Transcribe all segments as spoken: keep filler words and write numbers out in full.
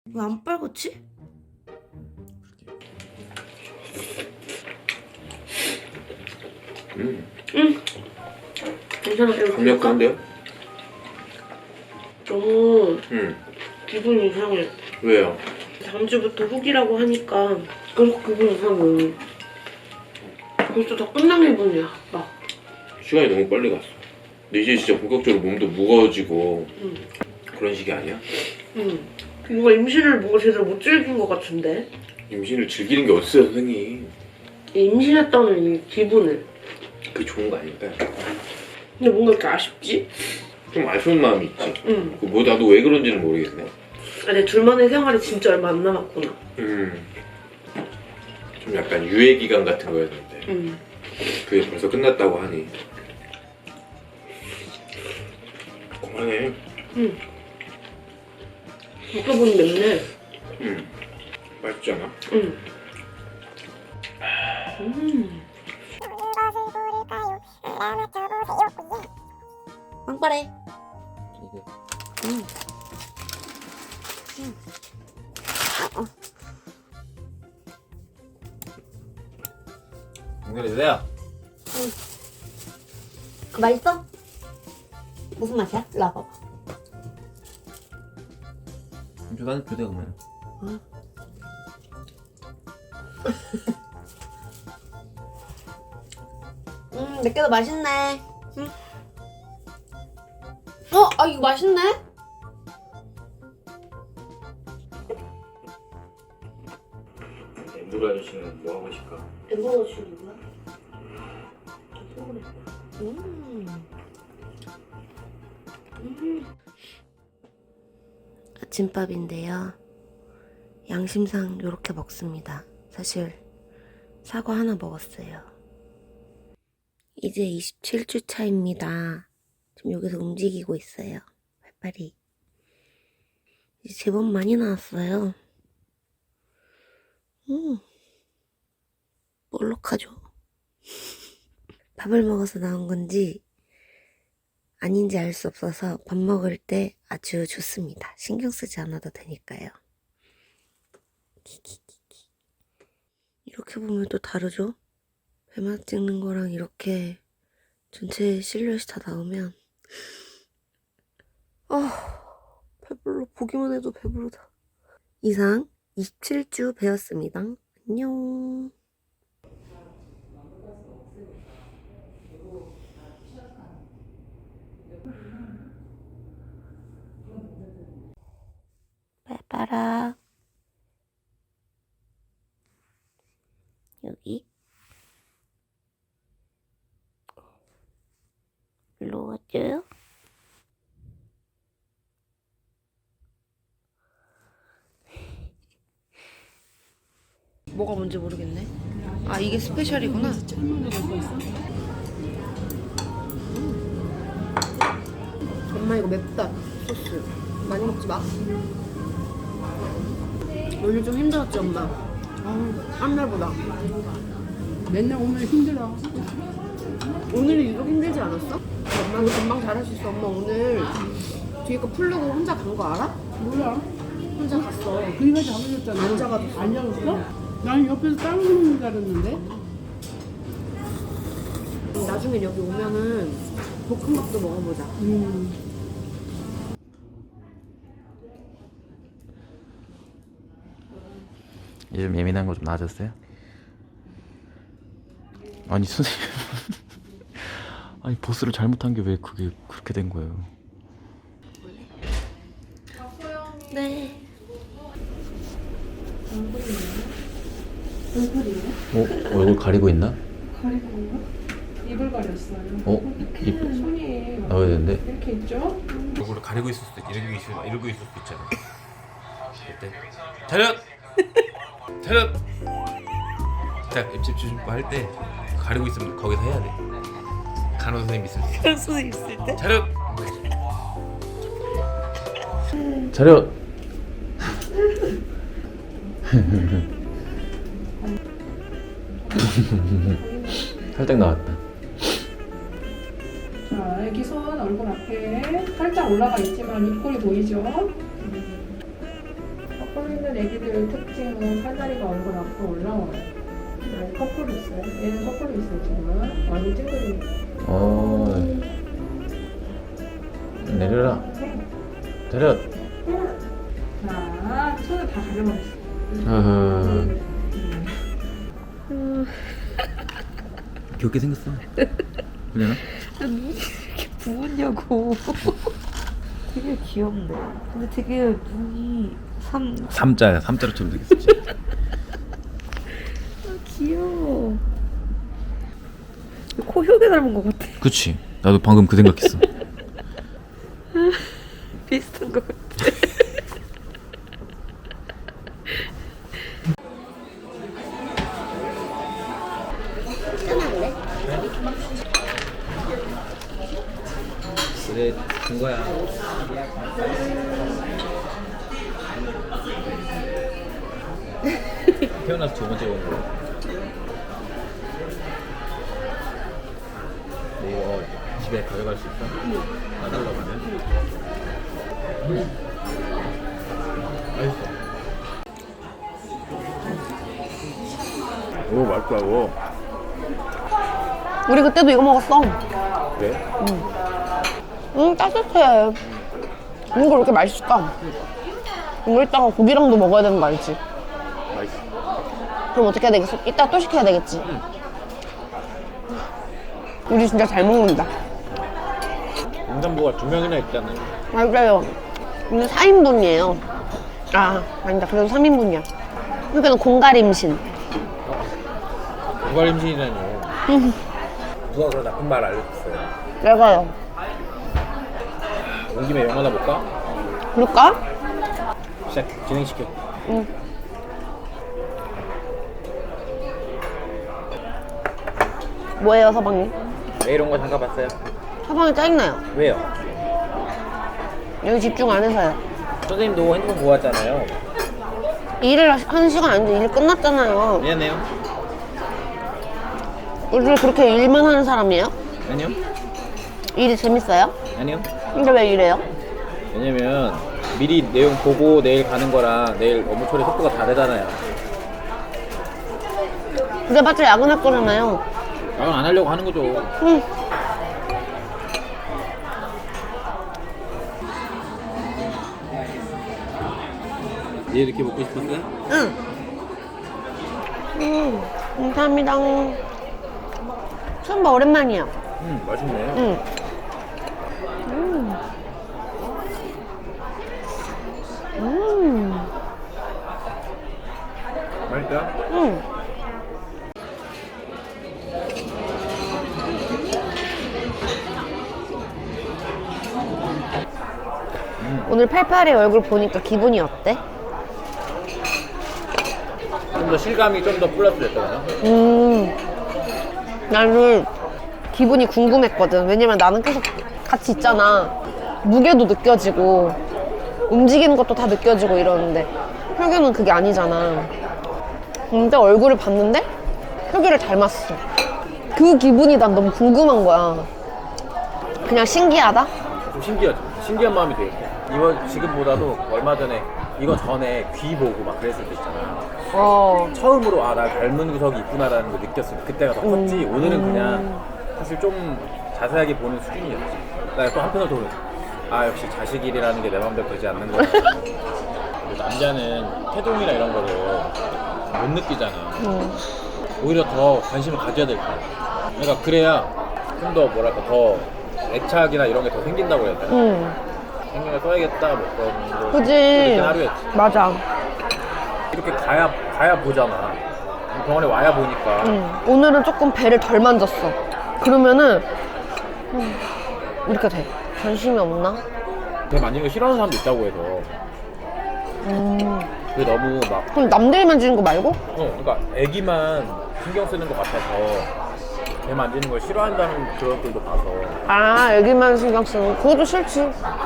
왜 안 빨갛지? 음. 응. 괜찮아. 이거 강력한데요? 너무 음. 기분이 이상해. 왜요? 다음 주부터 후기라고 하니까 계속 기분이 이상해. 벌써 다 끝난 기분이야. 막. 시간이 너무 빨리 갔어. 근데 이제 진짜 본격적으로 몸도 무거워지고 응. 그런 식이 아니야? 응. 뭔가 임신을 뭔가 제대로 못 즐긴 것 같은데? 임신을 즐기는 게 어딨어요, 선생님. 임신했다는 이 기분을. 그게 좋은 거 아닐까요? 근데 뭔가 이렇게 아쉽지? 좀 아쉬운 마음이 있지. 응. 그 뭐 나도 왜 그런지는 모르겠네. 아, 내 둘만의 생활이 진짜 얼마 안 남았구나. 음. 좀 약간 유예 기간 같은 거였는데 응. 그게 벌써 끝났다고 하니. 그만해. 응. 먹어보니 맵네. 음. 맛있지 않아? 응. 음. 빵빠레. 음. 음. 어. 연결해주세요. 응. 그 맛있어? 무슨 맛이야? 일로 와봐봐. 나는 교대 그러면. 응. 음, 몇 개도 맛있네. 응. 어, 아 이거 맛있네. 엠브로 아저씨는 뭐 하고 있을까? 엠버거 씨 누구야? 음. 음. 아침밥인데요. 양심상 이렇게 먹습니다. 사실 사과 하나 먹었어요. 이제 이십칠 주 차입니다. 지금 여기서 움직이고 있어요. 발발이. 이제 제법 많이 나왔어요. 음. 볼록하죠? 밥을 먹어서 나온 건지 아닌지 알 수 없어서 밥 먹을 때 아주 좋습니다. 신경 쓰지 않아도 되니까요. 이렇게 보면 또 다르죠? 배만 찍는 거랑 이렇게 전체 실루엣이 다 나오면 아, 배불러. 보기만 해도 배부르다. 이상 이십칠 주 배웠습니다. 안녕. 빨빨아. 여기. 일로 와줘요. 뭐가 뭔지 모르겠네. 아, 이게 스페셜이구나. 엄마 이거 맵다. 소스 많이 먹지 마. 오늘 좀 힘들었지 엄마? 한 날보다. 맨날 오면 힘들어. 오늘이 유독 힘들지 않았어? 엄마 너 금방 잘할 수 있어. 엄마 오늘 뒤에 거 풀르고 혼자 간 거 알아? 몰라. 혼자 갔어. 그니까 잡아줬잖아. 안 잡아줬어. 안 잡았어? 난 옆에서 다른 거 먹는 줄 알았는데. 나중에 여기 오면은 볶음밥도 먹어보자. 음. 요즘 예민한 거 좀 나아졌어요? 아니 선생님 아니 보스를 잘못한 게 왜 그게 그렇게 된 거예요? 네. 어? 얼굴 가리고 있나? 가리고 있나? 입을 가렸어요. 어? 입 손이 나와야 되는데? 이렇게 있죠? 얼굴을 가리고 있을 수도 있 이러고 있을 이러고 있을 수도 있잖아. 그때 차렷! 차렷! 딱 입집 주신거 할 때 가리고 있으면 거기서 해야 돼. 간호 선생님 있을 때. 그럴 수도 있을 때? 차렷! 차렷! 살짝 나왔다. 자, 여기 손 얼굴 앞에 살짝 올라가 있지만 입꼬리 보이죠? 서 있는 애기들 특징은 팔다리가 얼굴 앞으로 올라와요. 네, 거꾸로 있어요. 얘는 거꾸로 있어요 지금. 얼굴 찡그리. 어. 내려라. 내려. 자, 손을 다 가려버렸어. 어허. 귀엽게 생겼어. 그냥 눈이 이렇게 부었냐고. 되게 귀엽네. 근데 되게 눈이 삼. 삼자야. 삼자로처럼 생겼어. 아, 귀여워. 코효게 닮은 것 같아. 그치. 나도 방금 그 생각했어. 비슷한 것 같아. 그래, 된 거야. 태어나서 두 번째 온 거야. 근데 이거 집에 가져갈 수 있어? 까달라고 하면? 맛있어. 오, 맛있다, 이거. 우리 그때도 이거 먹었어. 그래? 응, 따뜻해. 이거 왜 이렇게 맛있을까? 이거 이따가 고기랑도 먹어야 되는 거 알지? 맛있어. 그럼 어떻게 해야 되겠어? 이따 또 시켜야 되겠지? 우리 진짜 잘 먹는다. 임산부가 두 명이나 있잖아요. 맞아요. 근데 사 인분이에요. 아, 아니다. 그래도 삼 인분이야. 그러니까 공갈임신. 누가 임신이라뇨. 누가 그런 나쁜 말 알려줬어요. 내가요. 온 김에 영화나 볼까? 그럴까? 시작, 진행시켜. 응. 뭐예요, 서방님? 왜 이런 거 잠깐 봤어요? 서방이 짜증나요. 왜요? 여기 집중 안 해서요. 선생님도 핸드폰 보고 왔잖아요. 일을 하는 시간 아닌데 일 끝났잖아요. 미안해요. 요즘 그렇게 일만 하는 사람이에요? 아니요. 일이 재밌어요? 아니요. 근데 왜 이래요? 왜냐면 미리 내용 보고 내일 가는 거랑 내일 업무 처리 속도가 다르잖아요. 그게 맞죠? 야근할 거잖아요. 야근 안 하려고 하는 거죠. 응. 얘 이렇게 먹고 싶었어요? 응. 음, 감사합니다. 처음 봐, 오랜만이야. 음, 맛있네. 응. 음. 음. 맛있다. 음. 오늘 팔팔이 얼굴 보니까 기분이 어때? 좀 더 실감이 좀 더 플러스 됐잖아요. 음. 나는 기분이 궁금했거든. 왜냐면 나는 계속 같이 있잖아. 무게도 느껴지고 움직이는 것도 다 느껴지고 이러는데 혁유는 그게 아니잖아. 근데 얼굴을 봤는데 혁유를 닮았어. 그 기분이 난 너무 궁금한 거야. 그냥 신기하다? 좀 신기하죠. 신기한 마음이 되겠고. 이거 지금보다도 얼마 전에 이거 전에 귀 보고 막 그랬을 때 있잖아. 어. 처음으로 아 나 닮은 구석이 있구나라는 걸 느꼈을 때 그때가 더 컸지. 음. 오늘은 그냥 사실 좀 자세하게 보는 수준이었지. 나 또 한편으로 도 아 역시 자식일이라는 게 내 마음대로 되지 않는 거야. 남자는 태동이나 이런 거를 못 느끼잖아. 음. 오히려 더 관심을 가져야 될 거야. 그러니까 그래야 좀 더 뭐랄까 더 애착이나 이런 게 더 생긴다고 해야 되나? 음. 생명을 써야겠다 뭐 그런 거. 그지? 하루였지. 맞아. 이렇게 가야 가야 보잖아. 병원에 와야 보니까. 음. 오늘은 조금 배를 덜 만졌어. 그러면은 음, 이렇게 돼. 관심이 없나? 배 만지는 거 싫어하는 사람도 있다고 해서. 음. 그게 너무 막 그럼 남들이 만지는 거 말고? 어, 그러니까 애기만 신경 쓰는 것 같아서 배 만지는 걸 싫어한다는 그것들도 봐서. 아, 애기만 신경 쓰는 거. 그것도 싫지.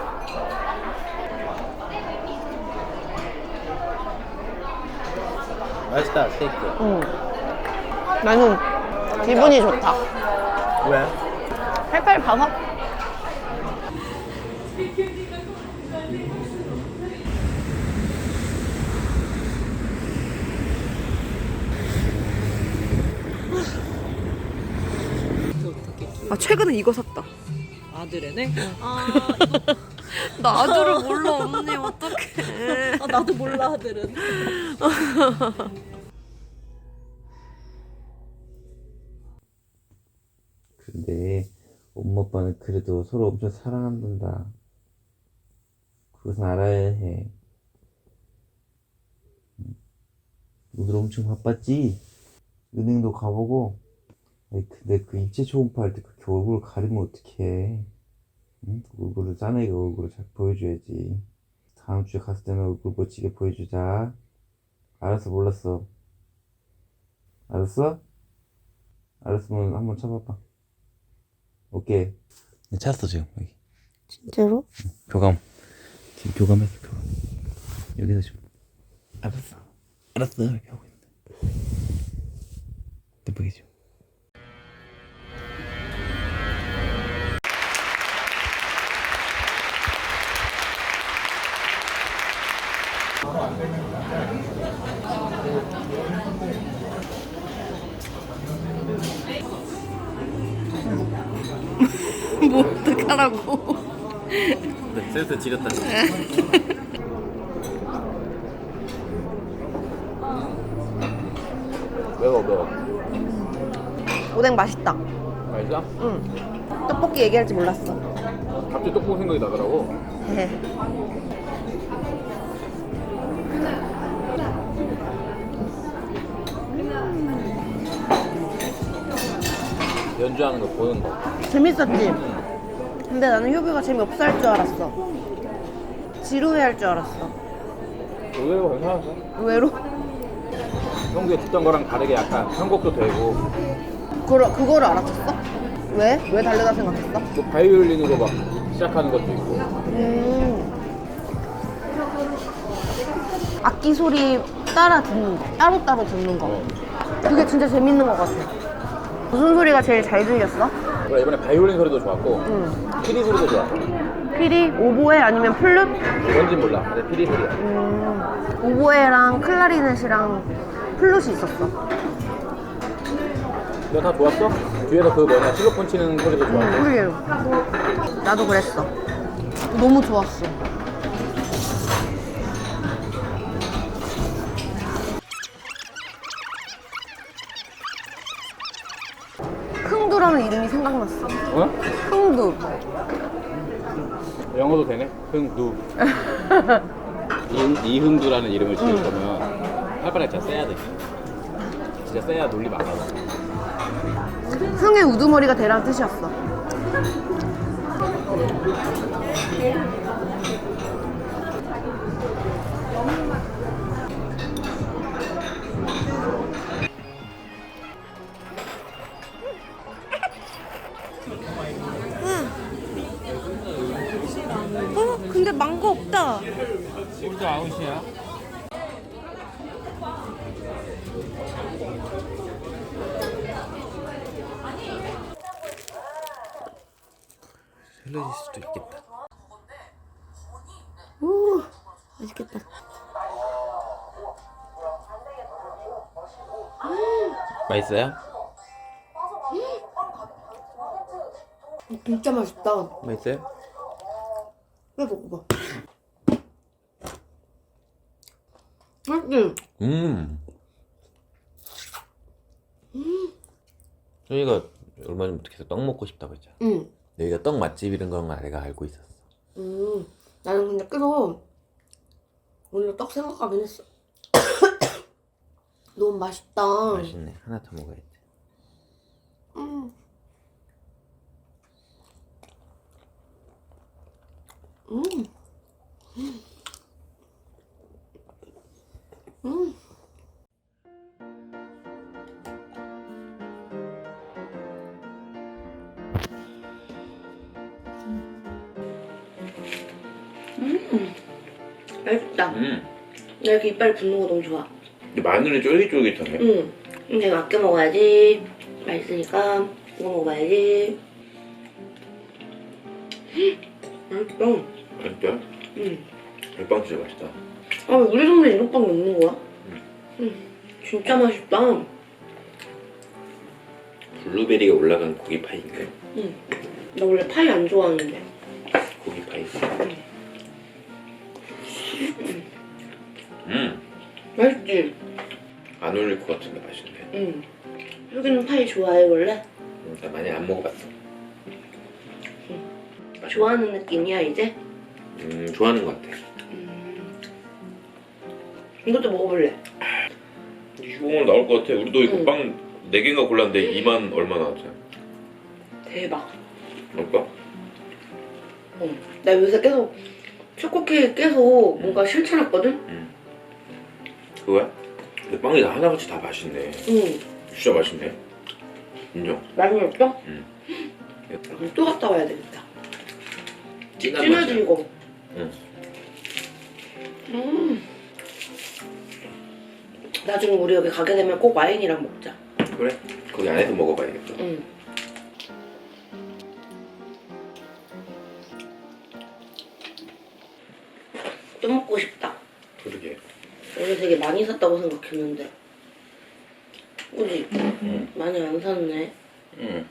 맛있다 스테이크. 응. 나는 기분이 좋다. 왜? 팔팔 봐서? 아 최근에 이거 샀다. 아들애네? 아, 나 아들을 몰라 언니 어떡해. 아 나도 몰라 아들은. 근데 엄마 아빠는 그래도 서로 엄청 사랑한단다. 그것은 알아야 해. 오늘 엄청 바빴지? 은행도 가보고. 아니, 근데 그 입체 초음파 할 때 그렇게 얼굴을 가리면 어떡해. 응? 얼굴을 짠애가 얼굴을 잘 보여줘야지. 다음 주에 갔을 때는 얼굴 멋지게 보여주자. 알았어, 몰랐어. 알았어? 알았으면 한번 쳐봐봐. 오케이. 찾았어 지금 여기. 진짜로? 교감. 지금 교감했어 교감. 여기서 좀. 알았어. 알았어 이렇게 하고 있는데. 뜸보이죠. 뭐 어떡하라고. 네, 센스 지렸다. 매워 매워. 오뎅 맛있다. 맛있어? 응. 떡볶이 얘기할 줄 몰랐어. 갑자기 떡볶이 생각이 나더라고. 연주하는 거 보는 거. 재밌었지? 근데 나는 효규가 재미없어 할 줄 알았어. 지루해 할 줄 알았어. 의외로 괜찮았어. 의외로? 평소에 듣던 거랑 다르게 약간 편곡도 되고. 그러, 그거를 알아챘어? 왜? 왜 다르다 생각했어? 또 바이올린으로 막 시작하는 것도 있고. 음. 악기 소리 따라 듣는 거, 따로따로 듣는 거. 어. 그게 진짜 재밌는 것 같아. 무슨 소리가 제일 잘 들렸어? 그래, 이번에 바이올린 소리도 좋았고 응. 피리 소리도 좋았고. 피리? 오보에 아니면 플룻? 뭔진 몰라. 근데 피리 소리야. 음. 오보에랑 클라리넷이랑 플룻이 있었어. 너 다 좋았어? 뒤에서 그 뭐냐 실로폰 치는 소리도 좋았고. 그래. 나도 그랬어. 너무 좋았어. 흥두라는 이름이 생각났어. 어? 흥두. 영어도 되네? 흥두. 이, 이흥두라는 이름을 지을 거면 팔바닥 진짜 세야 돼. 진짜 세야 논리 많아. 흥의 우두머리가 되라는 뜻이었어. 어? 근데 망고 없다. 우리도 아웃이야. 헬러질 수도 있겠다. 오, 맛있겠다. 맛있어요? 진짜 맛있다. 맛있어요? 왜 먹어봐. 맛있지? 음. 저희가 얼마 전부터 계속 떡 먹고 싶다고 했잖아. 응. 여기가 떡 맛집 이런 건 내가 알고 있었어. 음, 나는 근데 계속 오늘 떡 생각하긴 했어. 너무 맛있다. 맛있네. 하나 더 먹어야지. 음. 음. 음. 음. 맛있다. 음. 나 이렇게 이빨 붙는 거 너무 좋아. 근데 마늘이 쫄깃쫄깃하네. 응. 근데 이거 아껴 먹어야지. 맛있으니까 이거 먹어야지. 맛있다. 진짜? 응. 별빵 진짜 맛있다. 아, 우리 동네 이런 빵 없는 거야? 응. 응. 진짜 맛있다. 블루베리가 올라간 고기 파인가요? 응. 나 원래 파이 안 좋아하는데. 고기 파이. 음. 맛있지? 안 어울릴 것 같은데 맛있네. 응. 여기는 파이 좋아해 원래? 음, 나 많이 안 먹어봤어. 좋아하는 느낌이야 이제? 음, 좋아하는 것 같아. 음. 이것도 먹어볼래? 이십 원 나올 것 같아. 우리도 이거 응. 빵 네 개인가 골랐는데 이만 얼마 나왔지? 대박. 먹을까? 어. 나 요새 계속 초코케이크 계속 뭔가 실천했거든? 응. 그거야? 근데 빵이 다 하나같이 다 맛있네. 응. 진짜 맛있네. 인정. 많이 먹었어? 응. 그럼 또 갔다 와야 되겠다. 진한 맛이야. 진해지고. 응. 음. 나중에 우리 여기 가게 되면 꼭 와인이랑 먹자. 그래? 거기 안에서 먹어봐야겠다. 응. 또 먹고 싶다. 그러게. 원래 되게 많이 샀다고 생각했는데. 그지? 응. 많이 안 샀네. 응.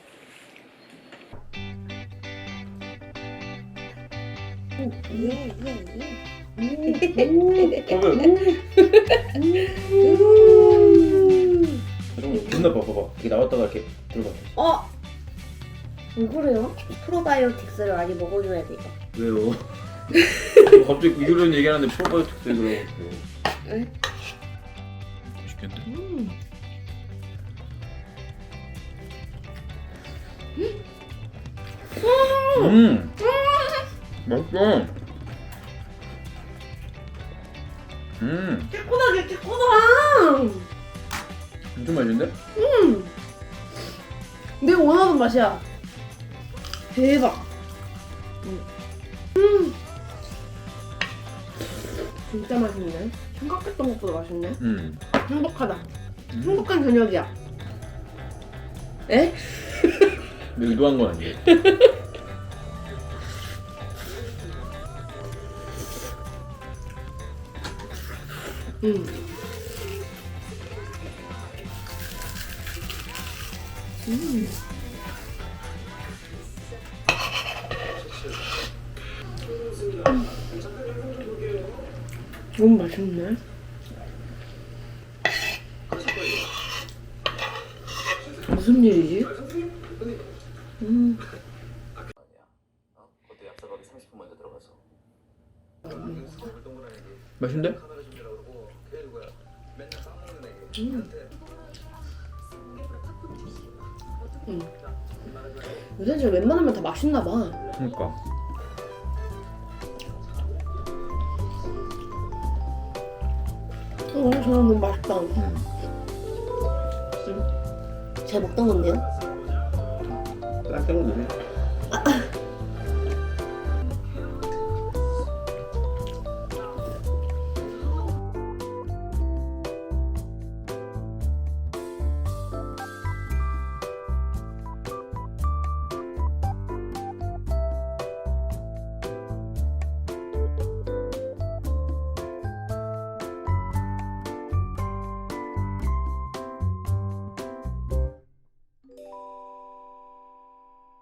존나 봐봐봐. 이게 나왔다가 이렇게 들어가. 어? 왜 그래요? 프로바이오틱스를 많이 먹어줘야 돼, 이거. 왜요? 갑자기 이런 얘기하는데 프로바이오틱스 그러고. 응? 맛있겠는데? 음. 음. 맛있어. 음. 개코다게 개코다! 엄청 맛있는데? 내가 원하는 맛이야. 대박. 음. 진짜 맛있네. 생각했던 것보다 맛있네. 음. 행복하다. 음. 행복한 저녁이야. 에? 의도한 건 아니에요. 음. 음. 너무 맛있네. 무슨 일이지? 음. 그때 약속하기 삼십 분 먼저 들어가서. 맛있는데? 음. 요새 진짜 웬만하면 다 맛있나 봐. 그러니까. 어, 오늘 저녁 너무 맛있다. 음. 제가 먹던 건데요? 딱 때문에.